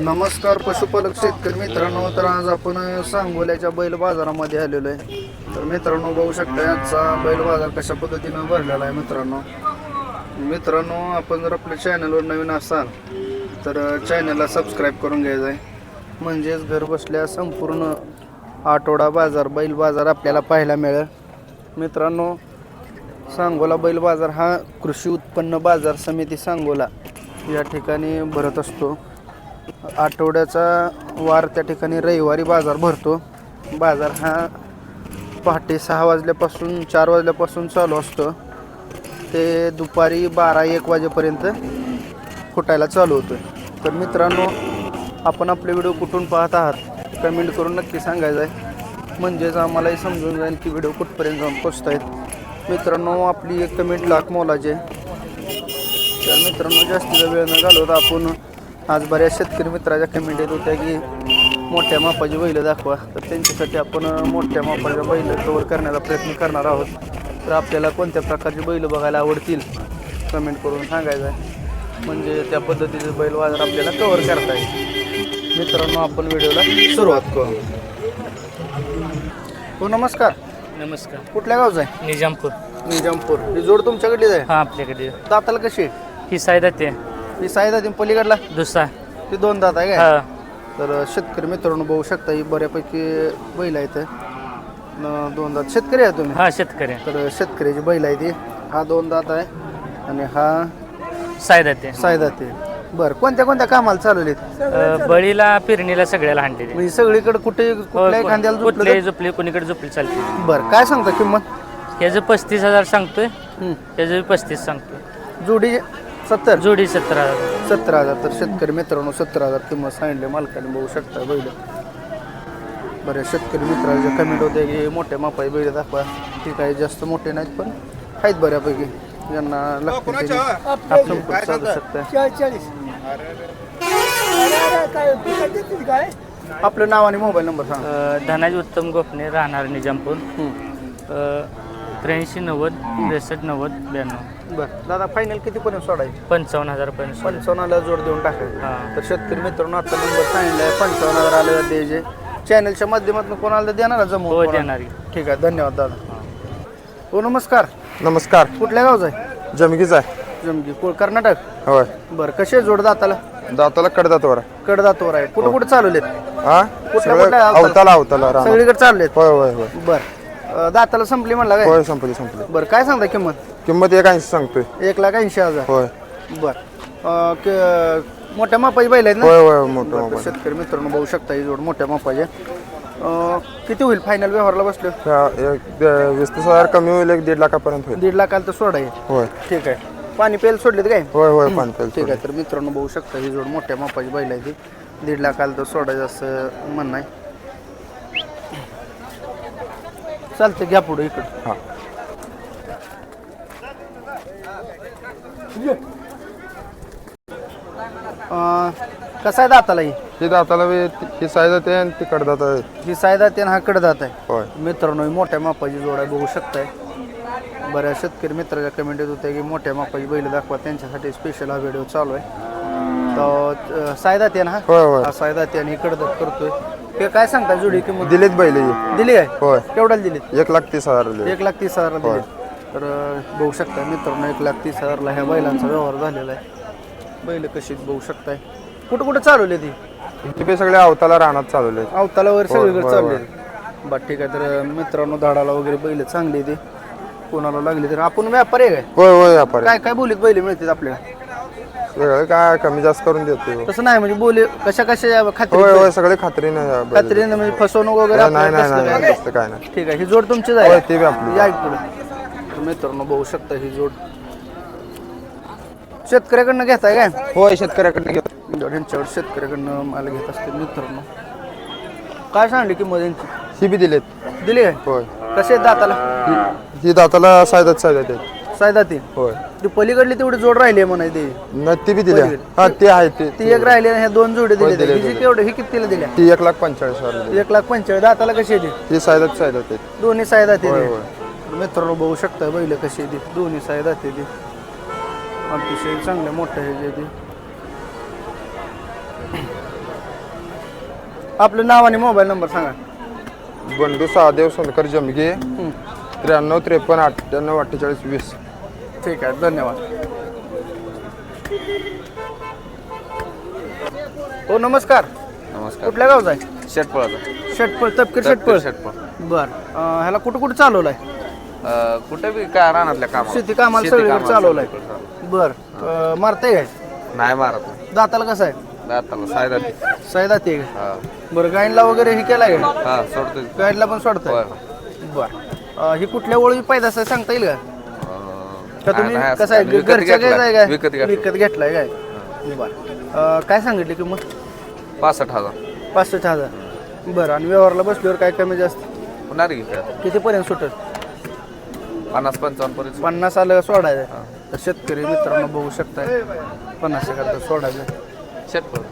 नमस्कार पशुपालक शेतकरी मित्रांनो. तर आज आपण सांगोल्याच्या बैल बाजारामध्ये आलेलो आहे. तर मित्रांनो बघू शकता आजचा बैल बाजार कशा पद्धतीनं भरलेला आहे. मित्रांनो आपण जर आपल्या चॅनलवर नवीन असाल तर चॅनलला सबस्क्राईब करून घ्यायचं आहे, म्हणजेच घर बसल्या संपूर्ण आठवडा बाजार बैल बाजार आपल्याला पाहायला मिळेल. मित्रांनो सांगोला बैल बाजार हा कृषी उत्पन्न बाजार समिती सांगोला या ठिकाणी भरत असतो. आठवड्याचा वार त्या ठिकाणी रविवारी बाजार भरतो. बाजार हा पहाटे 6 वाजल्यापासून 4 वाजल्यापासून चालू असतो ते दुपारी 12-1 वाजेपर्यंत फुटायला चालू होतो. तर मित्रांनो आपण आपले व्हिडिओ कुठून पाहत आहात कमेंट करून नक्की सांगायचं आहे, म्हणजेच आम्हालाही समजून जाईल की व्हिडिओ कुठपर्यंत जाऊन पोचत आहेत. मित्रांनो आपली एक कमेंट लाख मोलाची आहे. तर मित्रांनो जास्तीचा वेळ न घालवता आपण आज बऱ्याच शेतकरी मित्राच्या कमेंट येत होत्या की मोठ्या मापाची बैलं दाखवा. तर त्यांच्यासाठी आपण मोठ्या मापाच्या बैलं कवर करण्याचा प्रयत्न करणार आहोत. तर आपल्याला कोणत्या प्रकारची बैलं बघायला आवडतील कमेंट करून सांगायचं आहे, म्हणजे त्या पद्धतीचे बैल बाजार आपल्याला कवर करता येईल. मित्रांनो आपण व्हिडिओला सुरुवात करू. हो नमस्कार. नमस्कार. कुठल्या गावचा आहे? निजामपूर. निजामपूर. ही जोड तुमच्याकडलीच आहे? हा आपल्याकडे. दाताला कशी? ही सायदा ते ही सायदा ती पलीकडला दुसरा ती 2 दात आहे हा. काय? तर शेतकरी मित्रांनो बघू शकता ही बऱ्यापैकी बैल आहेत. 2 दात शेतकरी आहे तुम्ही? हा शेतकरी. तर शेतकऱ्याची बैल आहे ती. हा 2 दात आहे आणि हा सायदा ते सायदा ते. बरं कोणत्या कोणत्या कामाला चालवलेत? बळीला पेरणीला सगळ्याला हांडे. म्हणजे सगळीकडे कुठे कुठल्याही खांद्याला कुठले झोपलं? झोपले कोणीकडे झोपले चालते. बरं काय सांगता किंमत? त्याचं 35,000 सांगतोय, त्याचं 35 सांगतोय. जोडी 70? जोडी 17,000. 17,000. तर शेतकरी मित्रांनो 17,000 किंमत सांगितली मालकाने. बघू शकता बैल. बऱ्याच शेतकरी मित्रांच्या कमेंट होते की मोठ्या मापाई बैल दाखवा. ती काही जास्त मोठे नाहीत पण आहेत बऱ्यापैकी, ज्यांना लागतील त्यांनी संपर्क साधू शकता. आपलं नाव आणि मोबाईल नंबर सांगा. धनाजी उत्तम गोपने, राहणार निजामपूर. 8390 6390 92. बरं दादा फायनल कितीपर्यंत सोडायची? 55,000 पर्यंत. 55ला जोड देऊन टाकायचं. हां. तर शेतकरी मित्रांनो आता नंबर सांगितला आहे 55,000 आले द्यायचे. चॅनलच्या माध्यमातून कोणाला देणार जमवून? हो देणारी. ठीक आहे धन्यवाद दादा. हो नमस्कार. नमस्कार. कुठल्या गावचा आहे? जमगीच आहे. जमगी कर्नाटक. होय. बरं कसे जोड दाताला? दाताला कडदातवर कडदातवर आहे. कुठं कुठं चालवलेत? हा कुठल्या अवताला राहणार. सगळीकडे चाललेत? होय होय होय. बरं दाताला संपली म्हणला काय? होय संपली. बरं काय सांगता किंमत? किंमत 180 सांगतोय. 1,80,000. होय बरं मोठ्या मापाची बैल आहेत ना? होय होय मोठं बरं, मोबाईल. शेतकरी मित्रांनो बघू शकता ही जोड मोठ्या मापाचे. किती होईल फायनल व्यवहारला बसलो? 20,000 कमी होईल, 1.5 लाखापर्यंत होईल. 1.5 लाखाला तर सोडा आहे. होय ठीक आहे. पाणी प्यायला सोडलेत काय? होय होय पाणी ठीक आहे. तर मित्रांनो बघू शकता ही जोड मोठ्या मापाची बैल आहे ती. 1.5 लाखाला तर सोडायचं असं म्हणणं आहे. चालतं घ्या पुढे इकडं. हां. कसा आहे दाताला ही? ती दाताला ही साईज आहे आणि ती कडदात आहे. ही सायदा ते हा कडदात आहे. होय. मित्रांनो ही मोठ्या मापाची जोड आहे बघू शकताय. बऱ्याच शेतकरी मित्राच्या कमेंट येत होत्या की मोठ्या मापाची बैल दाखवा, त्यांच्यासाठी स्पेशल हा व्हिडिओ चालू आहे. तर सायदा ते ना होय होय. हा सायदा ते आणि कडदात करतोय. ते काय सांगता जोडी किंमत? दिलेत बैल दिली आहे? होय. केवढ्याला दिलीत? 1,30,000 दिले. 1,30,000 दिले. तर बघू शकता मित्रांनो 1,30,000ला ह्या बैलांचा व्यवहार झालेला आहे. बैल कशी बघू शकताय. कुठं कुठं चालवले ती? ते सगळे अवताला राहणार चालवले. अवताला वगैरे सगळीकडे होय, चालले. बरं ठीक आहे. तर मित्रांनो धाडाला वगैरे बैल चांगली ती कोणाला लागली तर आपण व्यापारी आहे काय? होय होय व्यापारी. काय काय बोलीत बैल मिळतात आपल्याला? सगळं काय कमी जास्त करून देते. तसं नाही म्हणजे बोली कशा खात्री? होय होय सगळे खात्रीने खात्रीने म्हणजे फसवणूक वगैरे नाही आपल्याला नाही कसलं नाही काय? तसलं काय नाही. ठीक आहे. ही जोड तुमचीच होय आहे? ती बी आपली. या इकडे. तर मित्रांनो बघू शकता ही जोड शेतकऱ्याकडनं घेताय काय? होय शेतकऱ्याकडे घेतो. ह्यांच्यावर शेतकऱ्याकडनं माल घेत असते. मित्रांनो काय सांगली किंमत यांची? ही बी दिलेत. दिली काय? होय. कसे आहेत दाताला? ही दाताला सायदात आहेत. सायदा ती होय. ती पलीकडली तेवढी जोड राहिली आहे म्हणाय ती. न ती बी दिल्या. हा ते आहे ती एक राहिली आणि ह्या 2 जोडी होय, दिल्या. दिल्या, हिची केवढी ही कितीला दिल्या? ती 1,45,000 दिली. 1,45,000. दाताला कशी आहे ती? ती सायदात आहेत. दोन्ही सायदा ती. होय होय. मित्रांनो बघू शकता बैल कशी आहे ती. दोन्ही सायदा ती अतिशय चांगल्या मोठ्या ह्याची ती. आपलं नाव आणि मोबाईल नंबर सांगा. बंडू सहादेव सोनकर जमगे 93 53 98 48 20. ठीक आहे, धन्यवाद. हो नमस्कार. नमस्कार. कुठल्या गावचा आहे? शेटपळाचा. शेटपळ, तपकीर शेटपळ. शेटपळ. बर ह्याला कुठं कुठं चालवलाय? कुठे बी काय रानातल्या कामाला. शेती कामाला शेती सगळीकडे कामाला चालवलाय. सगळीकडे. बर मारताय काय? नाही मारत. दाताला कसं आहे? दाताला सायदा. सायदाती आहे का? हा बरं गायनला वगैरे हे केलाय का? हा सोडतो. गायनला पण सोडताय? होय. बर ही कुठल्या ओळी पैदास आहे सांगता येईल का? का तुम्ही नाही, कसं आहे विकत घरच्या घेतलाय. गायचा आहे काय? विकत घेतलाय. विकत घेतलाय काय? बर काय सांगितली किंमत? 65,000. 65,000. बरं आणि व्यवहारला बसल्यावर काय कमी जास्त होणार की काय? कितीपर्यंत सुटेल? 50-55 पर्यंत. 50 आलं का सोडायचं? तर शेतकरी मित्रांनो बघू शकताय 50 करता सोडायचं. शेटपळ.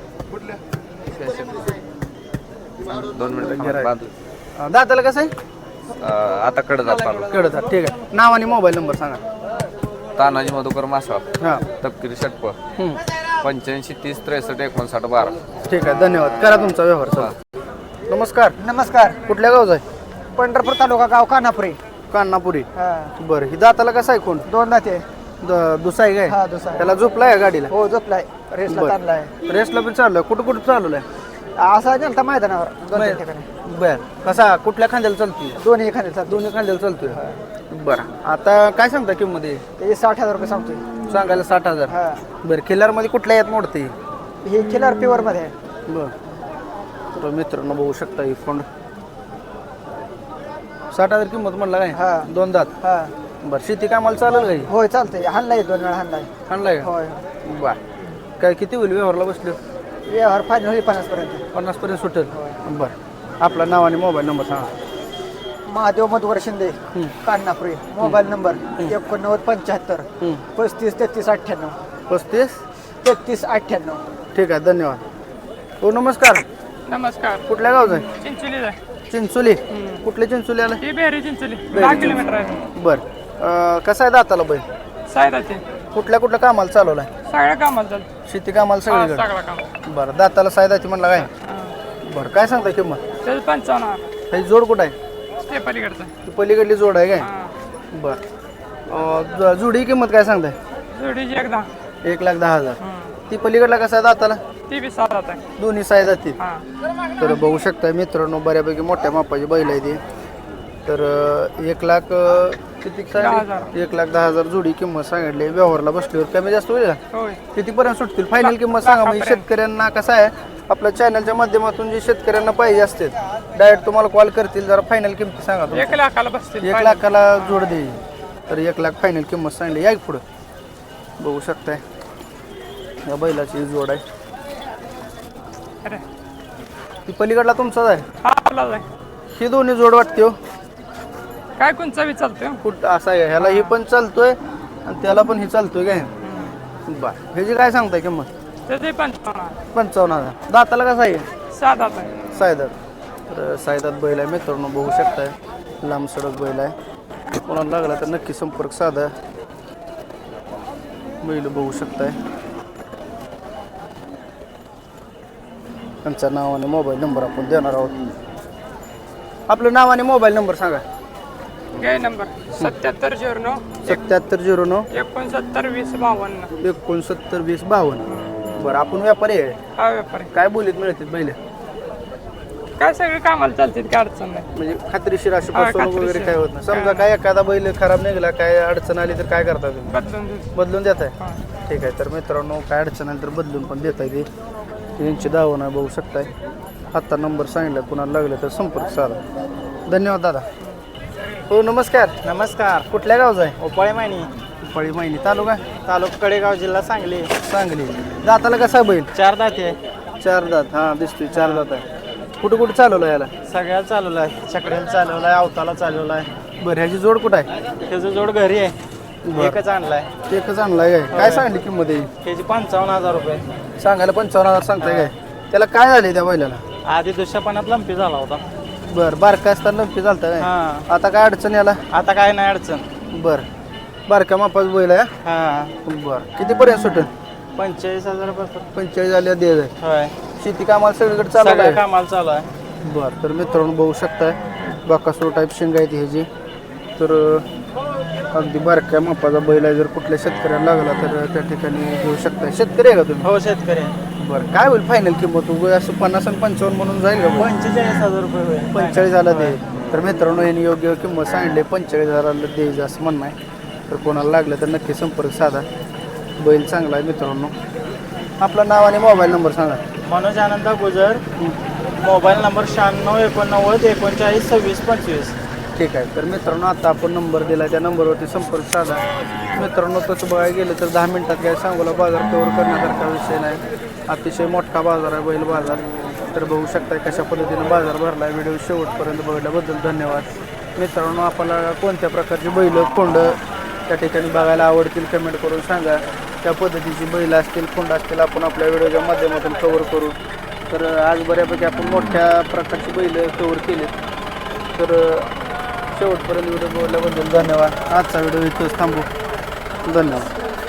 2 मिनिटं गिऱ्हाईक. बांधलं. दाताला कसं आहे? आता कडे जात पाहिलं. कळतात. ठीक आहे, नाव आणि मोबाईल नंबर सांगा. तानाजी मधुकर मासवा. हां तपकिरी शेटपळ. 85 30 63 59 12. ठीक आहे, धन्यवाद. करा तुमचा व्यवहार चला. नमस्कार. नमस्कार. कुठल्या गावचा आहे? पंढरपूर तालुका गाव कानापुरी. कान्हापुरी. हा. बरं ही दाताला कसं आहे? कोण 2 दाते. दुसा आहे हा काय? दुसरा. त्याला झोपलाय का गाडीला? हो झोपलाय. रेसला बरं. ताणलाय. रेसला पण चालू आहे. कुठं कुठं चालवलाय? असा नेलता मैदानावर 2-3 ठिकाणी. बर कसा कुठल्या खांद्याला चालतोय? दोन्ही एखादे चालतो. दोन्ही खांद्याला चालतोय. बरं आता काय सांगता किंमत आहे? ते 60,000 रुपये सांगतोय. सांगायला 60,000. हा. बरं खिल्लार मध्ये कुठल्या यात मोडते? हे किलर प्युअर मध्ये आहे. बर तर मित्रांनो बघू शकता ही फोंड 60,000 किंमत म्हणला काय? हा. 2 दात. हा. बरं शेती कामाला चालेल काही? होय चालतंय. हाणलाय 2 वेळा हाणलाय. आणलाय का? होय. बर काय किती होईल व्यवहारला बसले? व्यवहार फायनल होईल 50 पर्यंत. 50 पर्यंत सुटेल. बरं आपलं नाव आणि मोबाईल नंबर सांगा. महादेव मधुकर शिंदे कानापुरी. Mobile number 89 75 35 33 98 35. 33 98. ठीक आहे, धन्यवाद. हो नमस्कार. नमस्कार. कुठल्या गावचं आहे? चिंचोलीला. चिंचोली. कुठले चिंचोली आलं? ही बेरी चिंचोली 10 किलोमीटर आहे. बरं कसं आहे दाताला बैल? सायदा ते कुठल्या कुठल्या कामाला चालवलाय? सगळ्या कामाला चालतं. शेती कामाला सगळीकडे? सगळं काम. बरं दाताला सायदाची म्हणला काय? बरं काय सांगता किंमत? त्याचं 55. ही जोड कुठं आहे? ते पलीकडचं. ती पलीकडली जोड आहे काय? हा. बरं जोडी किंमत काय सांगताय? जोडीची एकदा. 1,10,000. ती पलीकडला कसा आहे दाताला? ती बी 7 आहे. दोन्ही साईज जातील. हा. तर बघू शकता मित्रांनो बऱ्यापैकी मोठ्या मापाची बैल आहे ती. तर 1 लाख किती सांगितली? 1,10,000 जोडी किंमत सांगितली. व्यवहारला बसल्यावर कमी जास्त होईल का? होय. कितीपर्यंत सुटतील? फायनल किंमत सांगा. म्हणजे शेतकऱ्यांना कसं आहे आपल्या चॅनलच्या माध्यमातून जे शेतकऱ्यांना पाहिजे असते डायरेक्ट तुम्हाला कॉल करतील. जरा फायनल किंमत सांगा तुम्ही. 1 लाखाला बसतील. 1 लाखाला जोड देईल. तर 1 लाख फायनल किंमत सांगली. या पुढं बघू शकताय या बैलाची जोड आहे. अरे ती पलीकडला तुमचाच आहे? हा आपलाच आहे. ही दोन्ही जोड वाटते हो. काय कोणचा बी चालतोय. कुठं असं आहे ह्याला ही पण चालतोय आणि त्याला पण ही चालतोय काय? बर ह्याची काय सांगताय किंमत? त्याचे 55. 55,000. दाताला कसा आहे? 7 आहे. सायदात. तर सायदात बैल आहे मित्रांनो बघू शकताय. लांब सडक बैल आहे. कोणाला लागला तर नक्की संपर्क साधा. बैल बघू शकताय. त्यांचं नाव आणि मोबाईल नंबर आपण देणार आहोत. आपलं नाव आणि मोबाईल नंबर सांगा. गाय नंबर 7709 7709 69 20 52. 69 20 52. बरं आपण व्यापारी आहे. हा व्यापारी. काय बोलीत मिळतील बैल? काय सगळे कामाला चालतील. काय अडचण नाही. म्हणजे खात्रीशीर अशी हा, फसवणूक वगैरे खात्रीशीर. काय होत नाही. समजा काय एखादा बैल खराब निघाला काय अडचण आली तर काय करता तुम्ही? बदलून देऊ. बदलून देताय? हा. ठीक आहे. तर मित्रांनो काय अडचण आली तर बदलून पण देता येते. यांची दावण आहे बघू शकताय. आत्ता नंबर सांगितला कुणाला लागलं तर संपर्क साधा. धन्यवाद दादा. हो नमस्कार. नमस्कार. कुठल्या गावचा आहे? ओपाळे मायनी. पळी महिनी तालुका तालुका कडेगाव जिल्हा सांगली. सांगली. दाताला कसा बैल? 4 दाते. 4 दात. हा दिसतोय 4 दात आहे. कुठं कुठं चालवलं याला? सगळ्याला चालवलाय. चकड्याला चालवलाय. अवताला चालवलाय. बरं ह्याची जोड कुठं आहे? त्याचं जोड घरी आहे. बरं. एकच आणलाय. एकच आणलाय काय? काय सांगली किंमत आहे? त्याची 55,000 रुपये. सांगायला 55,000 सांगताय काय? त्याला काय झाले त्या बैलाला? आधी दुष्यापणात लंपी झाला होता. बरं बारका असताना लंपी चालतं काय? हा. आता काय अडचण याला? आता काय नाही अडचण. बरं बारक्या मापाचं बैल आहे. हा. बरं कितीपर्यंत सुटेल? 45,000 रुपये. 45 आल्या दे होय. शेती कामाला सगळीकडे चालू सगळ्या आहे कामाला चालू आहे. बरं. तर मित्रांनो बघू शकताय बाकासूर टाईप शेंगा आहेत ह्याची. तर अगदी बारक्या मापाचा बैल आहे. जर कुठल्या शेतकऱ्याला लागला तर त्या ठिकाणी घेऊ शकताय. शेतकरी आहे का तुम्ही? हो शेतकरी आहे. बरं. काय होईल फायनल किंमत उगा असं 50 आणि 55 म्हणून जाईल का? 45,000 रुपये होईल. 45,000 दे. तर मित्रांनो यांनी योग्य किंमत सांगितली 45,000 द्यायचं असं म्हणणं आहे. तर कोणाला लागलं तर नक्की संपर्क साधा. बैल चांगला आहे मित्रांनो. आपलं नाव आणि मोबाईल नंबर सांगा. Manoj Anand Gujar, mobile number 968939392625. ठीक आहे. तर मित्रांनो आता आपण नंबर दिला त्या नंबरवरती संपर्क साधा. मित्रांनो तसं बघायला गेलं तर 10 मिनिटात काय सांगोला बाजार कव्हर करण्यासारखा विषय नाही. अतिशय मोठा बाजार आहे बैल बाजार. तर बघू शकता कशा पद्धतीनं बाजार भरला आहे. व्हिडिओ शेवटपर्यंत बघितल्याबद्दल धन्यवाद. मित्रांनो आपल्याला कोणत्या प्रकारची बैल खोंड त्या ठिकाणी बघायला आवडतील कमेंट करून सांगा. त्या पद्धतीची बैल असतील खोंड असतील आपण आपल्या व्हिडिओच्या माध्यमातून कव्हर करू. तर आज बऱ्यापैकी आपण मोठ्या प्रकारची बैल कव्हर केली. तर शेवटपर्यंत व्हिडिओ बघितल्याबद्दल धन्यवाद. आजचा व्हिडिओ इथंच थांबू. धन्यवाद.